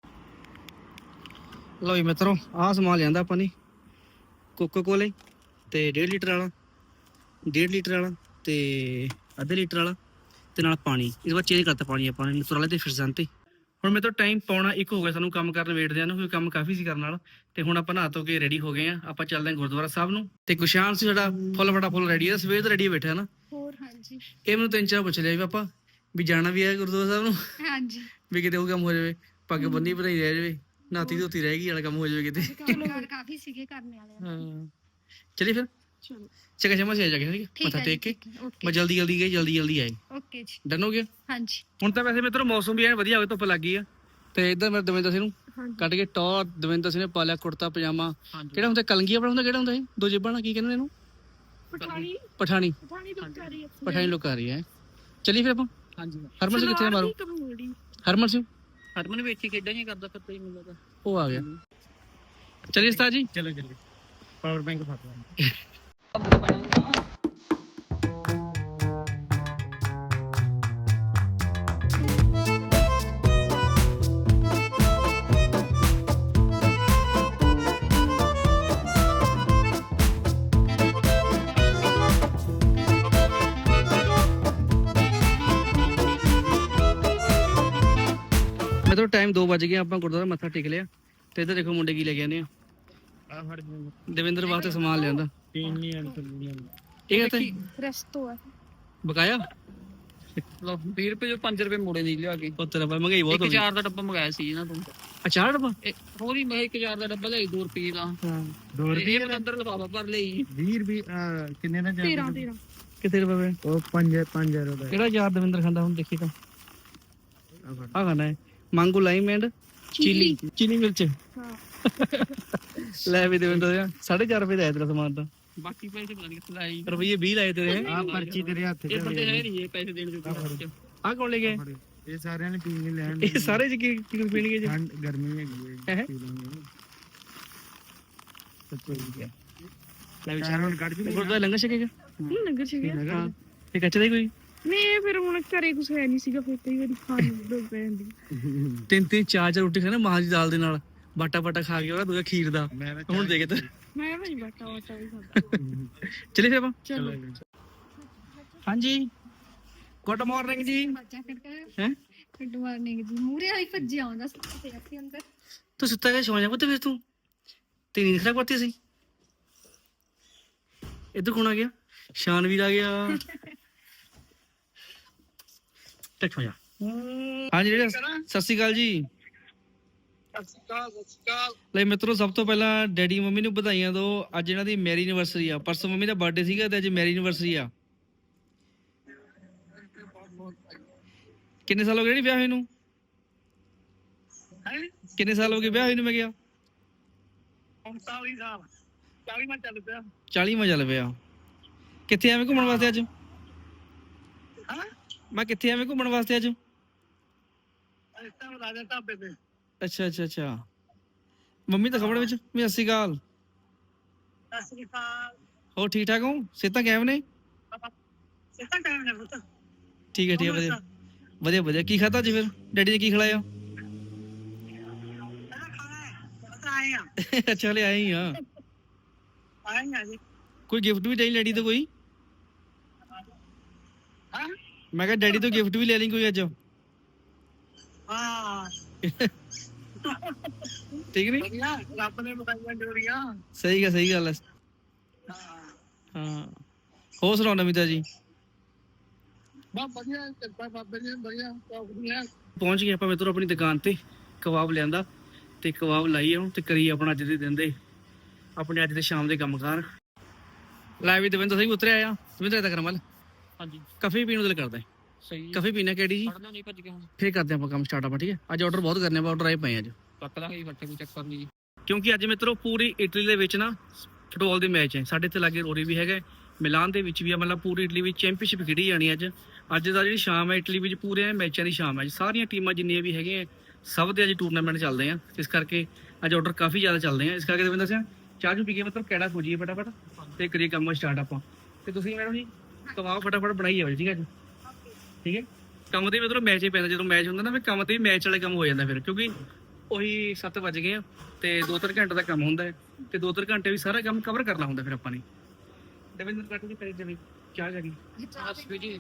[SPEAKER 1] ਲਓ ਜੀ ਮਿੱਤਰੋ, ਆਹ ਸਮਾਨ ਲਿਆਂਦਾ ਆਪਾਂ ਨੇ, ਕੋਕਾ ਕੋਲੇ ਤੇ ਡੇਢ ਲੀਟਰ ਵਾਲਾ, ਡੇਢ ਲੀਟਰ ਵਾਲਾ ਤੇ ਅੱਧੇ ਲੀਟਰ ਵਾਲਾ ਤੇ ਨਾਲ ਪਾਣੀ। ਇਸ ਵਾਰ ਚੇਂਜ ਕਰਤਾ ਪਾਣੀ ਆਪਾਂ ਨੇ ਨੈਚੁਰਲ ਤੇ ਫਿਰਜ਼ਨ ਤੇ। ਹੁਣ ਮੇਰੇ ਤੋਂ ਟਾਈਮ ਪਾਉਣਾ ਇੱਕ ਹੋ ਗਿਆ ਸਾਨੂੰ ਕੰਮ ਕਰਨ ਵੇਟਦਿਆਂ ਨੂੰ, ਕਿਉਂਕਿ ਕੰਮ ਕਾਫੀ ਸੀ ਕਰਨ ਵਾਲਾ। ਤੇ ਹੁਣ ਆਪਾਂ ਨਹਾ ਧੋ ਕੇ ਰੈਡੀ ਹੋ ਗਏ ਆ, ਆਪਾਂ ਚੱਲਦੇ ਹਾਂ ਗੁਰਦੁਆਰਾ ਸਾਹਿਬ ਨੂੰ। ਤੇ ਗੁਸ਼ਾਨ ਸੀ ਸਾਡਾ ਫੁੱਲ ਫਟਾ ਫੁੱਲ ਰੈਡੀ ਹੈ, ਸਵੇਰ ਤੋਂ ਰੈਡੀ ਬੈਠਾ ਨਾ।
[SPEAKER 3] ਹੋਰ ਹਾਂਜੀ
[SPEAKER 1] ਇਹ ਮੈਨੂੰ ਤਿੰਨ ਚਾਰ ਪੁੱਛ ਲਿਆ ਵੀ ਪਾਪਾ ਵੀ ਜਾਣਾ ਵੀ ਹੈ ਗੁਰਦੁਆਰਾ ਸਾਹਿਬ ਨੂੰ,
[SPEAKER 3] ਹਾਂਜੀ
[SPEAKER 1] ਵੀ ਕਿਤੇ ਉਹ ਕੰਮ ਹੋ ਜਾਵੇ, ਪੱਗ ਬੰਨੀ ਬਣਾਈ ਰਹਿ ਜਾਵੇ, ਨਾਤੀ ਧੋਤੀ ਰਹਿ ਗਈ ਵਾਲਾ ਕੰਮ ਹੋ ਜਾਵੇ ਕਿਤੇ।
[SPEAKER 3] ਕਾਰ ਕਾਫੀ ਸੀਗੇ ਕਰਨੇ ਵਾਲੇ
[SPEAKER 1] ਹਾਂ ਚਲੀ ਫਿਰ
[SPEAKER 2] ਚਲੋ
[SPEAKER 1] ਚੰਗਾ ਚਮਾ ਸੇ ਆ ਜਾ ਕੇ ਠੀਕ ਹੈ,
[SPEAKER 3] ਠੀਕ
[SPEAKER 1] ਮੱਥਾ
[SPEAKER 3] ਹੈ
[SPEAKER 1] ਟੇਕ ਕੇ
[SPEAKER 3] ਓਕੇ
[SPEAKER 1] ਮੈਂ ਜਲਦੀ ਜਲਦੀ ਗਈ, ਜਲਦੀ ਜਲਦੀ ਆਏ।
[SPEAKER 3] ਓਕੇ ਜੀ
[SPEAKER 1] ਡਨ ਹੋ ਗਿਆ।
[SPEAKER 3] ਹਾਂਜੀ
[SPEAKER 1] ਹੁਣ ਤਾਂ ਵੈਸੇ ਮਿੱਤਰੋ ਮੌਸਮ ਵੀ ਐਨ ਵਧੀਆ ਹੋ ਗਿਆ, ਧੁੱਪ ਲੱਗ ਗਈ ਆ। ਤੇ ਇੱਧਰ ਮੇਰੇ ਦਵਿੰਦਰ ਸਿੰਘ ਨੂੰ
[SPEAKER 2] ਹਾਂਜੀ
[SPEAKER 1] ਕੱਢ ਕੇ ਟੌਰ, ਦਵਿੰਦਰ ਸਿੰਘ ਨੇ ਪਾ ਲਿਆ ਕੁੜਤਾ ਪਜਾਮਾ।
[SPEAKER 4] ਹਾਂਜੀ
[SPEAKER 1] ਕਿਹੜਾ ਹੁੰਦਾ ਕਲੰਗੀ ਆਪਣਾ ਹੁੰਦਾ, ਕਿਹੜਾ ਹੁੰਦਾ ਇਹ ਦੋ ਜੇਬਾਂ ਨਾਲ ਕੀ ਕਹਿੰਦੇ ਨੇ ਇਹਨੂੰ?
[SPEAKER 2] ਪਠਾਣੀ
[SPEAKER 1] ਪਠਾਣੀ।
[SPEAKER 2] ਪਠਾਣੀ ਲੋਕ ਕਰ ਰਹੀ ਹੈ
[SPEAKER 1] ਪਠਾਣੀ ਲੋਕ ਆ ਰਹੀ ਹੈ। ਚਲੀ ਫਿਰ ਆਪਾਂ
[SPEAKER 4] ਹਾਂਜੀ
[SPEAKER 1] ਹਰਮਨ ਸਿੰਘ ਕਿੱਥੇ ਆ ਮਾਰੋ,
[SPEAKER 2] ਕਮੂੜੀ
[SPEAKER 1] ਹਰਮਨ ਸਿੰਘ
[SPEAKER 4] ਹਰਮਨ ਵੀ ਇੱਥੇ ਖੇਡਾਂ ਹੀ ਕਰਦਾ ਫਿਰ ਤੇ ਮੈਨੂੰ ਲੱਗਦਾ
[SPEAKER 1] ਉਹ ਆ ਗਿਆ। ਚਲਿਏ ਉਸਤਾਦ ਜੀ।
[SPEAKER 5] ਚਲੋ ਚਲੋ ਪਾਵਰ ਬੈਂਕ ਫੜ ਲਾ।
[SPEAKER 1] ਮੈਂ ਤਾਂ ਟਾਈਮ ਦੋ ਵੱਜ ਗਿਆ, ਆਪਾਂ ਗੁਰਦੁਆਰਾ ਮੱਥਾ ਟੇਕ ਲਿਆ। ਤੇ ਇੱਧਰ ਦੇਖੋ ਮੁੰਡੇ ਕੀ ਲੈ ਕੇ ਆਨੇ ਆ।
[SPEAKER 5] ਆ ਫੜ
[SPEAKER 1] ਦਵਿੰਦਰ ਵਾਸਤੇ ਸਮਾਨ ਲਿਆਂਦਾ।
[SPEAKER 5] ਤੀਨ ਨਹੀਂ ਆਂ ਤੁਲੀਆਂ।
[SPEAKER 1] ਇਹ ਕਹਿੰਦੇ
[SPEAKER 2] ਰੈਸਟੋ ਹੈ
[SPEAKER 1] ਬਕਾਇਆ
[SPEAKER 4] ਲਓ ਵੀਹ ਰੁਪਏ ਜੋ ਪੰਜ ਰੁਪਏ ਮੋੜੇ ਦੀ ਲਿਆ ਕੇ।
[SPEAKER 1] ਉਹ ਤੇਰਾ ਭਾਈ ਮਹਿੰਗਾਈ ਬਹੁਤ
[SPEAKER 4] ਇੱਕ
[SPEAKER 1] ਹੋ ਗਈ।
[SPEAKER 4] ਚਾਰ ਦਾ ਡੱਬਾ ਮੰਗਾਇਆ ਸੀ ਇਹਨਾਂ ਤੋਂ।
[SPEAKER 1] ਅਚਾਰ ਡੱਬਾ
[SPEAKER 4] ਇਹ ਹੋਰ ਹੀ ਮੈਂ ਇੱਕ ਚਾਰ ਦਾ ਡੱਬਾ ਲਿਆਈ ਦੋ ਰੁਪਏ ਦਾ।
[SPEAKER 1] ਹਾਂ
[SPEAKER 5] ਦੋ
[SPEAKER 4] ਤੇ
[SPEAKER 5] ਰੁਪਏ
[SPEAKER 4] ਇਹ ਮੈਂ ਅੰਦਰ ਲਫਾਫਾ ਭਰ ਲਈ।
[SPEAKER 5] ਵੀਹ ਰੁਪਏ ਕਿੰਨੇ ਦਾ
[SPEAKER 2] ਤੇਰਾਂ ਤੇਰਾਂ
[SPEAKER 1] ਕਿੱਥੇ ਰੁਪਏ?
[SPEAKER 5] ਉਹ ਪੰਜ ਪੰਜ ਰੁਪਏ
[SPEAKER 1] ਕਿਹੜਾ ਯਾਰ ਦਵਿੰਦਰ ਖਾਂਦਾ ਹੁਣ ਦੇਖੀ ਤਾਂ ਆ ਖਾਣਾ ਹੈ ਮੰਗੋ ਲਾਈਮ ਐਂਡ ਚਿਲੀ ਚਿਲੀ ਮਿਰਚ।
[SPEAKER 2] ਹਾਂ
[SPEAKER 1] ਲੈ ਵੀ ਦਵਿੰਦਰ ਦਾ ਸਾਢੇ ਚਾਰ ਰੁਪਏ ਦਾ ਆਇਆ ਤੇਰਾ ਸਮਾਨ ਤਾਂ।
[SPEAKER 4] ਬਾਕੀ ਪੈਸੇ ਪਤਾ ਨਹੀਂ ਕਿੱਥੇ ਲਾਈ।
[SPEAKER 1] ਰੁਪਏ ਵੀਹ ਲਾਏ ਤੇਰੇ।
[SPEAKER 5] ਆ ਪਰਚੀ ਤੇਰੇ ਹੱਥ 'ਚ
[SPEAKER 4] ਇਹ ਬੰਦੇ ਹੈ ਨਹੀਂ ਇਹ ਪੈਸੇ ਦੇਣ ਦੇ।
[SPEAKER 1] ਆ ਕੌਣ ਲੈ ਗਏ?
[SPEAKER 5] ਇਹ ਸਾਰਿਆਂ ਨੇ ਪੀ ਕੇ ਲੈਣ।
[SPEAKER 1] ਇਹ ਸਾਰੇ ਚ ਕੀ ਕੀ ਕੁਝ ਪੀਣਗੇ ਜੀ?
[SPEAKER 5] ਠੰਡ ਗਰਮੀ ਹੈਗੀ ਹੈ
[SPEAKER 1] ਹੈਂ?
[SPEAKER 5] ਪੀ ਲਾਂਗੇ।
[SPEAKER 1] ਲੈ ਵੀ
[SPEAKER 5] ਚਾਰ ਹੁਣ ਕੱਢ ਜੂ
[SPEAKER 1] ਗੁਰਦੁਆਰਾ ਲੰਗਰ ਛਕੇਗਾ।
[SPEAKER 2] ਨਹੀਂ ਨਗਰ ਚ ਗਿਆ
[SPEAKER 1] ਹਾਂ ਤੇ ਕੱਚ ਦਾ ਹੀ ਕੋਈ
[SPEAKER 2] ਨਹੀਂ ਫਿਰ ਹੁਣ ਘਰੇ ਕੁਛ ਹੈ ਨਹੀਂ ਸੀਗਾ, ਫਿਰ ਕਈ ਵਾਰੀ ਖਾਣ ਨੂੰ ਲੋੜ ਪੈ ਜਾਂਦੀ।
[SPEAKER 1] ਤਿੰਨ ਤਿੰਨ ਚਾਰ ਚਾਰ ਰੋਟੀ ਖਾਣਾ ਮਾਂ ਦੀ ਦਾਲ ਦੇ ਨਾਲ, ਬਾਟਾ ਬਾਟਾ ਖਾ ਕੇ ਉਹਦਾ ਦੂਜਾ ਖੀਰ ਦਾ।
[SPEAKER 5] ਮੈਂ
[SPEAKER 1] ਹੁਣ ਦੇਖ ਤੇ
[SPEAKER 2] ਮੈਂ ਭਾਈ ਬਾਟਾ ਵਾਟਾ ਵੀ ਖਾਂਦਾ।
[SPEAKER 1] ਚਲੇ ਫਿਰ ਆਪਾਂ।
[SPEAKER 2] ਚਲੋ
[SPEAKER 1] ਹਾਂਜੀ ਗੁੱਡ ਮਾਰਨਿੰਗ ਜੀ।
[SPEAKER 3] ਬੱਚਾ ਫਿਰ
[SPEAKER 1] ਹੈ
[SPEAKER 3] ਗੁੱਡ ਮਾਰਨਿੰਗ ਜੀ। ਮੂਰੇ ਵਾਲੀ ਭੱਜਿਆ ਆਉਂਦਾ ਸੀ ਤੇ ਅਸੀਂ ਅੰਦਰ
[SPEAKER 1] ਤੂੰ ਸੁੱਤਾ ਗਿਆ ਸੌਂ ਜਾ ਪੁੱਤ ਫਿਰ ਤੂੰ ਤੇ ਨੀਂਦ ਖਰਾਬ ਕਰਤੀ ਸੀ। ਇੱਧਰ ਕੌਣ ਆ ਗਿਆ? ਸ਼ਾਨਵੀਰ ਆ ਗਿਆ। ਟੱਕ ਹੋ ਜਾ। ਹਾਂਜੀ ਜਿਹੜੇ ਸਤਿ ਸ਼੍ਰੀ ਅਕਾਲ ਜੀ। ਲੈ ਮਿੱਤਰੋ ਸਭ ਤੋਂ ਪਹਿਲਾਂ ਡੈਡੀ ਮੰਮੀ ਨੂੰ ਵਧਾਈਆਂ ਦਿਓ। ਅੱਜ ਇਹਨਾਂ ਦੀ ਮੈਰੀ ਐਨੀਵਰਸਰੀ ਆ। ਪਰਸੋਂ ਮੰਮੀ ਦਾ ਬਰਥਡੇ ਸੀਗਾ ਤੇ ਅੱਜ ਮੈਰੀ ਐਨੀਵਰਸਰੀ ਆ। ਕਿੰਨੇ ਸਾਲ ਹੋ ਗਏ ਜੀ ਵਿਆਹ ਹੋਏ ਨੂੰ?
[SPEAKER 5] ਹੈ
[SPEAKER 1] ਕਿੰਨੇ ਸਾਲ ਹੋ ਗਏ ਵਿਆਹ ਹੋਏ ਨੂੰ ਮੈਂ ਕਿਹਾ?
[SPEAKER 5] ਉਨਤਾਲੀ ਸਾਲ ਚਾਲੀ ਮੈਂ ਚੱਲ ਪਿਆ।
[SPEAKER 1] ਚਾਲੀ ਮਾ ਚੱਲ ਪਿਆ। ਕਿੱਥੇ ਆਵੇਂ ਘੁੰਮਣ ਵਾਸਤੇ ਅੱਜ?
[SPEAKER 5] ਹਾਂ
[SPEAKER 1] ਮੈਂ ਕਿੱਥੇ ਆਵੇਂ ਘੁੰਮਣ ਵਾਸਤੇ ਅੱਜ?
[SPEAKER 5] ਇਸ ਟਾਈਮ ਰਾਜਾ ਢਾਬੇ ਤੇ।
[SPEAKER 1] ਅੱਛਾ ਅੱਛਾ ਅੱਛਾ। ਮੰਮੀ ਤਾਂ ਖਬਰ ਵਿੱਚ ਵੀ ਸਤਿ ਸ਼੍ਰੀ ਅਕਾਲ।
[SPEAKER 5] ਸਤਿ ਸ੍ਰੀ ਅਕਾਲ।
[SPEAKER 1] ਹੋਰ ਠੀਕ ਠਾਕ ਹੋ? ਸਿਹਤਾਂ ਕਿਵੇਂ ਨੇ?
[SPEAKER 5] ਸਿੱਧਾ ਟਾਈਮ ਨੇ ਪੁੱਤ।
[SPEAKER 1] ਠੀਕ ਹੈ ਠੀਕ ਹੈ ਵਧੀਆ ਵਧੀਆ ਵਧੀਆ। ਕੀ ਖਾਧਾ ਅੱਜ ਫਿਰ? ਡੈਡੀ ਨੇ ਕੀ ਖਿਲਾਇਆ?
[SPEAKER 5] ਆਏ ਆ
[SPEAKER 1] ਅੱਛਾ ਹਲੇ ਆਏ ਹੀ ਆ।
[SPEAKER 5] ਆਏ ਆ ਜੀ।
[SPEAKER 1] ਕੋਈ ਗਿਫਟ ਵੀ ਚਾਹੀਦੀ ਡੈਡੀ ਤੋਂ ਕੋਈ?
[SPEAKER 5] ਹਾਂ
[SPEAKER 1] ਮੈਂ ਕਿਹਾ ਡੈਡੀ ਤੋਂ ਗਿਫਟ ਵੀ ਲੈ ਲਈ ਕੋਈ ਅੱਜ?
[SPEAKER 5] ਹਾਂ
[SPEAKER 1] ਠੀਕ ਨਹੀਂ?
[SPEAKER 5] ਵਧੀਆ ਰੱਬ ਨੇ ਬਤਾਈਆਂ ਡੋਰੀਆਂ।
[SPEAKER 1] ਸਹੀ ਗੱਲ ਸਹੀ ਗੱਲ ਹੈ।
[SPEAKER 5] ਹਾਂ
[SPEAKER 1] ਹਾਂ ਹੋਰ ਸੁਣਾਓ ਨਵੀਂ ਤਾਜੀ?
[SPEAKER 5] ਬਹੁਤ ਵਧੀਆ ਕਿਰਪਾ ਬਾਬੇ ਦੀ ਵਧੀਆ ਚੌਕਦੀਆਂ।
[SPEAKER 1] ਪਹੁੰਚ ਗਏ ਆਪਾਂ ਮਿੱਤਰੋ ਆਪਣੀ ਦੁਕਾਨ ਤੇ। ਕਬਾਬ ਲਿਆਂਦਾ ਤੇ ਕਬਾਬ ਲਾਈ ਹੁਣ ਤੇ ਕਰੀ ਆਪਣਾ ਅੱਜ ਦੇ ਦਿਨ ਦੇ ਆਪਣੇ ਅੱਜ ਦੇ ਸ਼ਾਮ ਦੇ ਕੰਮਕਾਰ। ਲੈ ਵੀ ਦਵਿੰਦਰ ਸਿੰਘ ਉਤਰਿਆ ਆ। ਦਵਿੰਦਰ ਏਦਾਂ ਕਰ ਮਲ
[SPEAKER 4] ਹਾਂਜੀ
[SPEAKER 1] ਕਾਫੀ ਪੀਣ ਨੂੰ ਦਿਲ ਕਰਦਾ।
[SPEAKER 4] ਸਹੀ
[SPEAKER 1] ਕਾਫੀ ਪੀਣਾ ਕਿਹੜੀ ਜੀ?
[SPEAKER 4] ਪੜਨਾ ਨਹੀਂ ਭੱਜ ਕੇ ਹੁਣ
[SPEAKER 1] ਫਿਰ ਕਰਦੇ ਆਪਾਂ ਕੰਮ ਸਟਾਰਟ ਆਪਾਂ ਠੀਕ ਹੈ। ਅੱਜ ਆਰਡਰ ਬਹੁਤ ਕਰਨੇ ਆਪਾਂ ਆਰਡਰ ਆਏ ਪਏ ਅੱਜ
[SPEAKER 4] ਕੱਟ ਲਾਂਗੇ ਜੀ ਫੱਟੇ ਕੋਈ ਚੱਕਰ ਨਹੀਂ ਜੀ।
[SPEAKER 1] ਕਿਉਂਕਿ ਅੱਜ ਮਿੱਤਰੋ ਪੂਰੀ ਇਟਲੀ ਦੇ ਵਿੱਚ ਨਾ ਫੁੱਟਬਾਲ ਦੇ ਮੈਚ ਹੈ। ਸਾਡੇ ਇੱਥੇ ਲਾਗੇ ਰੋਰੀ ਵੀ ਹੈਗਾ, ਮਿਲਾਨ ਦੇ ਵਿੱਚ ਵੀ ਆ। ਮਤਲਬ ਪੂਰੀ ਇਟਲੀ ਵਿੱਚ ਚੈਂਪੀਅਨਸ਼ਿਪ ਖੇਡੀ ਜਾਣੀ ਅੱਜ। ਅੱਜ ਦਾ ਜਿਹੜੀ ਸ਼ਾਮ ਹੈ ਇਟਲੀ ਵਿੱਚ ਪੂਰੇ ਮੈਚਾਂ ਦੀ ਸ਼ਾਮ ਹੈ। ਸਾਰੀਆਂ ਟੀਮਾਂ ਜਿੰਨੀਆਂ ਵੀ ਹੈਗੀਆਂ ਸਭ ਦੇ ਅੱਜ ਟੂਰਨਾਮੈਂਟ ਚੱਲਦੇ ਆ। ਇਸ ਕਰਕੇ ਅੱਜ ਆਰਡਰ ਕਾਫੀ ਜ਼ਿਆਦਾ ਚੱਲਦੇ ਆ। ਇਸ ਕਰਕੇ ਦਵਿੰਦਰ ਸਿੰਘ ਚਾਹ ਚੂ ਪੀ ਕੇ ਮਤਲਬ ਕਿਹੜਾ ਖੋਜੀਏ ਫਟਾਫਟ ਤੇ ਕਰੀਏ ਕੰਮ ਸਟਾਰਟ ਆਪਾਂ। ਤੇ ਤੁਸੀਂ ਮੈਡਮ ਜੀ ਕਬਾਬ ਫਟਾਫਟ ਬਣਾਈ ਜਾਓ ਠੀਕ ਹੈ ਜੀ। ਠੀਕ ਹੈ ਕੰਮ ਤੇ ਮਤਲਬ ਮੈਚ ਹੀ ਪੈਂਦਾ ਜਦੋਂ ਮੈਚ ਹੁੰਦਾ ਨਾ ਫਿਰ ਕੰਮ ਤੇ ਵੀ ਮੈਚ ਵਾਲੇ ਕੰਮ ਹੋ ਜਾਂਦਾ ਫਿਰ ਕਿਉਂਕਿ ਉਹੀ ਸੱਤ ਵੱਜ ਗਏ ਆ ਤੇ ਦੋ ਤਿੰਨ ਘੰਟੇ ਦਾ ਕੰਮ ਹੁੰਦਾ ਹੈ ਤੇ ਦੋ ਤਿੰਨ ਘੰਟੇ ਵੀ ਸਾਰਾ ਕੰਮ ਕਵਰ ਕਰਨਾ ਹੁੰਦਾ ਫਿਰ ਆਪਾਂ ਨੇ। ਦਵਿੰਦਰ ਕੱਟ ਕੇ ਪੈਸੇ ਦੇ ਚਾਹ ਜਾਗੀ
[SPEAKER 4] ਜੀ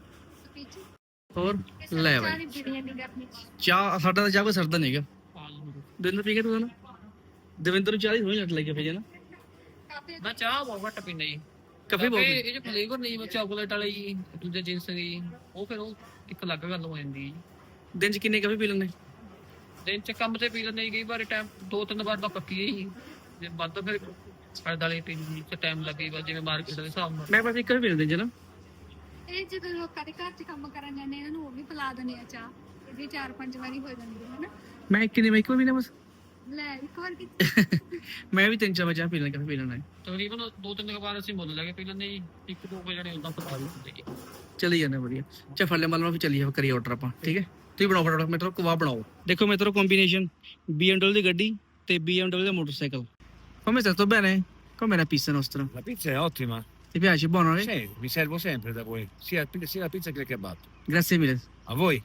[SPEAKER 1] ਹੋਰ ਲੈ ਬਾਈ ਚਾਹ ਸਾਡਾ ਤਾਂ ਚਾਹ ਕੋਈ ਸਰਦਾ ਨਹੀਂ ਹੈਗਾ। ਦਵਿੰਦਰ ਪੀ ਕੇ ਤੂੰ ਨਾ ਦਵਿੰਦਰ ਨੂੰ ਚਾਹ ਹੀ ਹੋਈ ਲੱਟ ਲੱਗ ਗਿਆ ਫਿਰ ਨਾ।
[SPEAKER 4] ਮੈਂ ਚਾਹ ਬਹੁਤ ਘੱਟ ਪੀਂਦਾ ਜੀ।
[SPEAKER 1] ਕਾਫੀ ਬਹੁਤ
[SPEAKER 4] ਇਹ ਜੋ ਫਲੇਵਰ ਨਹੀਂ ਮੈਂ ਚਾਕਲੇਟ ਵਾਲੇ ਜੀ ਦੂਜੇ ਜਿੰਸ ਦੀ ਉਹ ਫਿਰ ਉਹ ਇੱਕ ਅਲੱਗ ਗੱਲ ਹੋ ਜਾਂਦੀ ਹੈ।
[SPEAKER 1] ਦਿਨ ਚ ਕਿੰਨੇ ਕਾਫੀ ਪੀ ਲੈਂਦੇ?
[SPEAKER 4] ਦਿਨ ਚ ਕੰਮ ਤੇ ਪੀ ਲੈਂਦੇ ਕਈ ਵਾਰ ਟਾਈਮ ਦੋ ਤਿੰਨ ਵਾਰ ਤਾਂ ਪੱਕੀ ਹੈ ਜੀ। ਜੇ ਵੱਧ ਫਿਰ ਸਾਡੇ ਵਾਲੇ ਪੀਣ ਚ ਟਾਈਮ ਲੱਗੇ ਬਸ ਜਿਵੇਂ ਮਾਰਕੀਟ ਦੇ ਹਿਸਾਬ ਨਾਲ।
[SPEAKER 1] ਮੈਂ ਬਸ ਇੱਕ ਵੀ ਪੀ ਲੈਂਦੇ ਨਾ।
[SPEAKER 3] ਇਹ ਜਦੋਂ ਲੋਕਾਂ ਦੇ ਘਰ 'ਚ ਕੰਮ ਕਰਨ ਜਾਂਦੇ ਇਹਨਾਂ ਨੂੰ ਉਹ ਵੀ ਪਿਲਾ ਦਿੰਦੇ ਆ ਚਾਹ। ਇਹਦੀ ਚਾਰ ਪੰਜ ਵਾਰੀ ਹੋ ਜਾਂਦੀ ਹੈ ਹਨਾ।
[SPEAKER 1] ਮੈਂ ਇੱਕ ਨਹੀਂ ਮੈਂ ਇੱਕ ਵੀ ਨਾ ਬਸ
[SPEAKER 3] ਲੈ ਇੱਕ ਵਾਰ ਕੀ
[SPEAKER 1] ਮੈਂ ਵੀ ਤਿੰਨ ਚਾਰ ਚਾਹ ਪੀ ਲੈਣਾ ਕਾਫੀ ਪੀ ਲੈਣਾ।
[SPEAKER 4] ਤਕਰੀਬਨ ਦੋ ਤਿੰਨ ਵਾਰ ਅਸੀਂ ਮੁੱਲ ਲੈ ਕੇ ਪੀ ਲੈਂਦੇ ਜੀ। ਇੱਕ ਦੋ ਕੁ ਜਣੇ ਉਦਾਂ ਪਤਾ ਨਹੀਂ ਹੁੰਦੇ ਜੀ।
[SPEAKER 1] ਚਲੀ ਜਾਂਦੇ ਵਧੀਆ। ਚਾ ਫੜ ਲੈ ਮਤਲਬ ਫਿਰ ਚੱਲੀਏ ਕਰੀਏ ਆਰਡਰ ਆਪਾਂ ਠੀਕ ਹੈ। ਤੁਸੀਂ ਬਣਾਓ ਫਟਾਫਟ ਮੇਰੇ ਤੋਂ ਕਬਾਬ ਬਣਾਓ। ਦੇਖੋ ਮੇਰੇ ਤੋਂ ਕੰਬੀਨੇਸ਼ਨ ਬੀ ਐਮ ਡਬਲਿਊ ਦੀ ਗੱਡੀ ਤੇ ਬੀ ਐਮ ਡਬਲਿਊ ਦਾ motorcycle. Come stai? Sto bene? Com'è la pizza nostra?
[SPEAKER 6] La pizza è ottima.
[SPEAKER 1] Ti piace? Buono? Eh?
[SPEAKER 6] Sì, mi servo sempre da voi, sia, sia la pizza che il kebab.
[SPEAKER 1] Grazie mille.
[SPEAKER 6] A voi.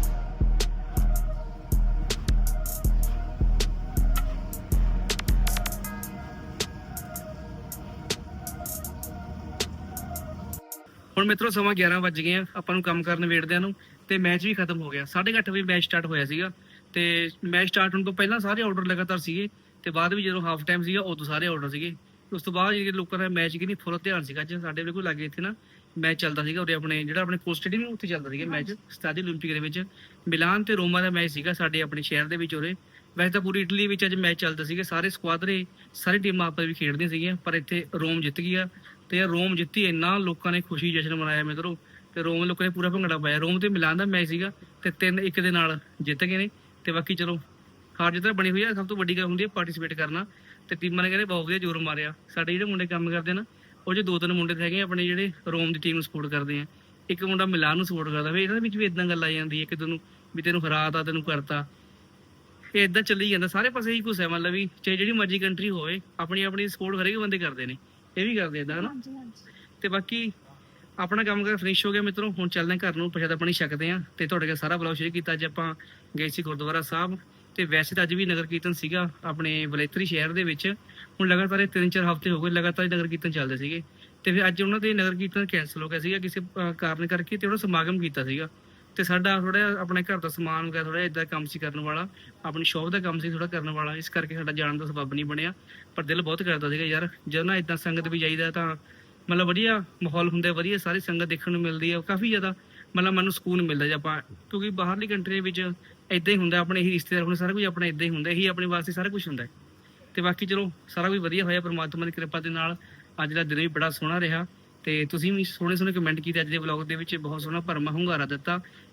[SPEAKER 1] ਹੁਣ ਮਿੱਤਰੋ ਸਮਾਂ ਗਿਆਰਾਂ ਵੱਜ ਗਏ ਆ ਆਪਾਂ ਨੂੰ ਕੰਮ ਕਰਨ ਵੇੜਦਿਆਂ ਨੂੰ ਤੇ ਮੈਚ ਵੀ ਖਤਮ ਹੋ ਗਿਆ। ਸਾਢੇ ਕੁ ਅੱਠ ਵਜੇ ਮੈਚ ਸਟਾਰਟ ਹੋਇਆ ਸੀਗਾ ਤੇ ਮੈਚ ਸਟਾਰਟ ਹੋਣ ਤੋਂ ਪਹਿਲਾਂ ਸਾਰੇ ਆਰਡਰ ਲਗਾਤਾਰ ਸੀਗੇ ਤੇ ਬਾਅਦ ਵੀ ਜਦੋਂ ਹਾਫ ਟਾਈਮ ਸੀਗਾ ਉਦੋਂ ਸਾਰੇ ਆਰਡਰ ਸੀਗੇ। ਉਸ ਤੋਂ ਬਾਅਦ ਜਿਹੜੇ ਲੋਕਾਂ ਦਾ ਮੈਚ ਕਿੰਨੀ ਫੁੱਲ ਧਿਆਨ ਸੀਗਾ। ਅੱਜ ਸਾਡੇ ਬਿਲਕੁਲ ਲਾਗੇ ਇੱਥੇ ਨਾ ਮੈਚ ਚੱਲਦਾ ਸੀਗਾ ਉਰੇ ਆਪਣੇ ਜਿਹੜਾ ਆਪਣੇ ਕੋਲ ਸਟੇਡੀਅਮ ਉੱਥੇ ਚੱਲਦਾ ਸੀਗਾ ਮੈਚ ਸਟਾਡੀ ਓਲੰਪਿਕ ਦੇ ਵਿੱਚ ਮਿਲਾਨ ਤੇ ਰੋਮਾ ਦਾ ਮੈਚ ਸੀਗਾ ਸਾਡੇ ਆਪਣੇ ਸ਼ਹਿਰ ਦੇ ਵਿੱਚ ਉਰੇ। ਵੈਸੇ ਤਾਂ ਪੂਰੀ ਇਟਲੀ ਵਿੱਚ ਅੱਜ ਮੈਚ ਚੱਲਦਾ ਸੀਗਾ ਸਾਰੇ ਸਕੁਆਡਰੇ ਸਾਰੀ ਟੀਮਾਂ ਆਪਸ ਵਿੱਚ ਖੇਡਦੀਆਂ ਸੀਗੀਆਂ ਪਰ ਇੱਥੇ ਰੋਮ ਜਿੱਤ ਗਿਆ ਤੇ ਯਾਰ ਰੋਮ ਜਿੱਤੀ ਇੰਨਾ ਲੋਕਾਂ ਨੇ ਖੁਸ਼ੀ ਜਸ਼ਨ ਮਨਾਇਆ ਮਿੱਤਰੋ ਤੇ ਰੋਮ ਲੋਕਾਂ ਨੇ ਪੂਰਾ ਭੰਗੜਾ ਪਾਇਆ। ਰੋਮ ਤੇ ਮਿਲਾਨ ਦਾ ਮੈਚ ਸੀਗਾ ਤੇ ਤਿੰਨ ਇੱਕ ਦੇ ਨਾਲ ਜਿੱਤ ਗਏ ਨੇ ਤੇ ਬਾਕੀ ਚਲੋ ਹਾਰ ਜਿੱਤ ਬਣੀ ਹੋਈ ਆ। ਸਭ ਤੋਂ ਵੱਡੀ ਗੱਲ ਹੁੰਦੀ ਹੈ ਪਾਰਟਿਸਿਪੇਟ ਕਰਨਾ ਤੇ ਟੀਮਾਂ ਨੇ ਕਹਿੰਦੇ ਬਹੁਤ ਵਧੀਆ ਜ਼ੋਰ ਮਾਰਿਆ। ਸਾਡੇ ਜਿਹੜੇ ਮੁੰਡੇ ਕੰਮ ਕਰਦੇ ਨਾ ਉਹ ਜੇ ਦੋ ਤਿੰਨ ਮੁੰਡੇ ਹੈਗੇ ਆਪਣੇ ਜਿਹੜੇ ਰੋਮ ਦੀ ਟੀਮ ਨੂੰ ਸਪੋਰਟ ਕਰਦੇ ਆ। ਇੱਕ ਮੁੰਡਾ ਮਿਲਾਨ ਨੂੰ ਸਪੋਰਟ ਕਰਦਾ ਵੀ ਇਹਨਾਂ ਵਿੱਚ ਵੀ ਇਦਾਂ ਗੱਲ ਆ ਜਾਂਦੀ ਹੈ ਕਿ ਤੈਨੂੰ ਵੀ ਤੈਨੂੰ ਹਰਾਤਾ ਤੈਨੂੰ ਕਰਤਾ ਇਹ ਇਦਾਂ ਚੱਲੀ ਜਾਂਦਾ ਸਾਰੇ ਪਾਸੇ ਹੀ ਕੁਛ ਹੈ। ਮਤਲਬ ਵੀ ਚਾਹੇ ਜਿਹੜੀ ਮਰਜ਼ੀ ਕੰਟਰੀ ਹੋਵੇ ਆਪਣੀ ਆਪਣੀ ਸਪੋਰਟ ਹਰੇਕ ਬੰਦੇ ਕਰਦੇ ਨੇ ਇਹ ਵੀ ਕਰਦੇ ਇਦਾਂ ਹਨਾ। ਤੇ ਬਾਕੀ ਆਪਣਾ ਕੰਮ ਕਰ ਫਿਨਿਸ਼ ਹੋ ਗਿਆ ਮਿੱਤਰੋ। ਹੁਣ ਚੱਲਦੇ ਘਰ ਨੂੰ ਪ੍ਰਸ਼ਾਦਾ ਪਾਣੀ ਛਕਦੇ ਆ ਤੇ ਤੁਹਾਡੇ ਨਾਲ ਸਾਰਾ ਬਲੌਗ ਸ਼ੇਅਰ ਕੀਤਾ। ਅੱਜ ਆਪਾਂ ਗਏ ਸੀ ਗੁਰਦੁਆਰਾ ਸਾਹਿਬ ਤੇ ਵੈਸੇ ਤਾਂ ਅੱਜ ਵੀ ਨਗਰ ਕੀਰਤਨ ਸੀਗਾ ਆਪਣੇ ਵਲੇਤਰੀ ਸ਼ਹਿਰ ਦੇ ਵਿੱਚ। ਹੁਣ ਲਗਾਤਾਰ ਤਿੰਨ ਚਾਰ ਹਫ਼ਤੇ ਹੋ ਗਏ ਲਗਾਤਾਰ ਨਗਰ ਕੀਰਤਨ ਚੱਲਦੇ ਸੀਗੇ ਤੇ ਫਿਰ ਅੱਜ ਉਹਨਾਂ ਦੇ ਨਗਰ ਕੀਰਤਨ ਕੈਂਸਲ ਹੋ ਗਿਆ ਸੀਗਾ ਕਿਸੇ ਕਾਰਨ ਕਰਕੇ ਤੇ ਉਹਨਾਂ ਸਮਾਗਮ ਕੀਤਾ ਸੀਗਾ ਤੇ ਸਾਡਾ ਥੋੜਾ ਆਪਣੇ ਘਰ ਦਾ ਸਮਾਨ ਵਗੈਰਾ ਥੋੜਾ ਏਦਾਂ ਕੰਮ ਸੀ ਕਰਨ ਵਾਲਾ ਆਪਣੀ ਸ਼ੌਪ ਦਾ ਕੰਮ ਸੀ ਥੋੜਾ ਕਰਨ ਵਾਲਾ ਇਸ ਕਰਕੇ ਸਾਡਾ ਜਾਣ ਦਾ ਸਬੱਬ ਨਹੀਂ ਬਣਿਆ। ਪਰ ਦਿਲ ਬਹੁਤ ਕਰਦਾ ਸੀਗਾ ਯਾਰ ਜਦੋਂ ਨਾ ਏਦਾਂ ਸੰਗਤ ਵੀ ਜਾਈਦਾ ਤਾਂ ਮਤਲਬ ਵਧੀਆ ਮਾਹੌਲ ਹੁੰਦਾ ਵਧੀਆ ਸਾਰੀ ਸੰਗਤ ਦੇਖਣ ਨੂੰ ਮਿਲਦੀ ਹੈ ਕਾਫੀ ਜ਼ਿਆਦਾ ਮਤਲਬ ਮੈਨੂੰ ਸਕੂਨ ਮਿਲਦਾ ਜੇ ਆਪਾਂ ਕਿਉਂਕਿ ਬਾਹਰਲੀ ਕੰਟਰੀ ਵਿੱਚ ਏਦਾਂ ਹੀ ਹੁੰਦਾ ਆਪਣੇ ਹੀ ਰਿਸ਼ਤੇਦਾਰ ਹੁਣ ਸਾਰਾ ਕੁਝ ਆਪਣਾ ਏਦਾਂ ਹੀ ਹੁੰਦਾ ਇਹੀ ਆਪਣੇ ਵਾਸਤੇ ਸਾਰਾ ਕੁਝ ਹੁੰਦਾ ਤੇ ਬਾਕੀ ਚਲੋ ਸਾਰਾ ਕੁਝ ਵਧੀਆ ਹੋਇਆ ਪਰਮਾਤਮਾ ਦੀ ਕਿਰਪਾ ਦੇ ਨਾਲ। ਅੱਜ ਦਾ ਦਿਨ ਵੀ ਬੜਾ ਸੋਹਣਾ ਰਿਹਾ ਤੇ ਤੁਸੀਂ ਵੀ ਸੋਹਣੇ ਸੋਹਣੇ ਕਮੈਂਟ ਕੀਤੇ ਅੱਜ ਦੇ ਵਲੌਗ ਦੇ ਵਿੱਚ ਬਹੁਤ ਸੋਹਣਾ ਭਰਮਾ ਹੁੰਗਾਰਾ ਦਿੱਤਾ।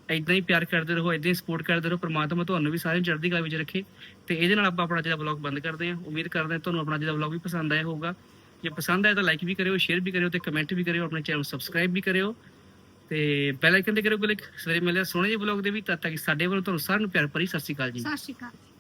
[SPEAKER 1] ਇਦਾਂ ਹੀ ਪਿਆਰ ਕਰਦੇ ਰਹੋ, ਇਦਾਂ ਹੀ ਸਪੋਰਟ ਕਰਦੇ ਰਹੋ। ਪ੍ਰਮਾਤਮਾ ਤੁਹਾਨੂੰ ਵੀ ਸਾਰਿਆਂ ਨੂੰ ਚੜ੍ਹਦੀ ਕਲਾ ਵਿੱਚ ਰੱਖੇ। ਤੇ ਇਹਦੇ ਨਾਲ ਆਪਾਂ ਆਪਣਾ ਜਿਹੜਾ ਵਲੌਗ ਬੰਦ ਕਰਦੇ ਹਾਂ। ਉਮੀਦ ਕਰਦੇ ਹਾਂ ਤੁਹਾਨੂੰ ਆਪਣਾ ਜਿਹੜਾ ਵਲੌਗ ਵੀ ਪਸੰਦ ਆਇਆ ਹੋਊਗਾ। ਜੇ ਪਸੰਦ ਆਇਆ ਤਾਂ ਲਾਈਕ ਵੀ ਕਰਿਓ, ਸ਼ੇਅਰ ਵੀ ਕਰਿਓ ਤੇ ਕਮੈਂਟ ਵੀ ਕਰਿਓ। ਆਪਣੇ ਚੈਨਲ ਨੂੰ ਸਬਸਕ੍ਰਾਈਬ ਵੀ ਕਰਿਓ ਤੇ ਬੈਲ ਆਈਕਨ ਤੇ ਕਰਿਓ ਕਲਿੱਕ। ਸਵੇਰੇ ਮਿਲਿਆ ਸੋਹਣੇ ਜਿਹੇ ਵਲੌਗ ਦੇ ਵੀ। ਤਦ ਤੱਕ ਸਾਡੇ ਵੱਲੋਂ ਤੁਹਾਨੂੰ ਸਾਰਿਆਂ ਨੂੰ ਪਿਆਰ ਭਰੀ ਸਤਿ ਸ਼੍ਰੀ ਅਕਾਲ ਜੀ।
[SPEAKER 3] ਸਤਿ ਸ਼੍ਰੀ ਅਕਾਲ।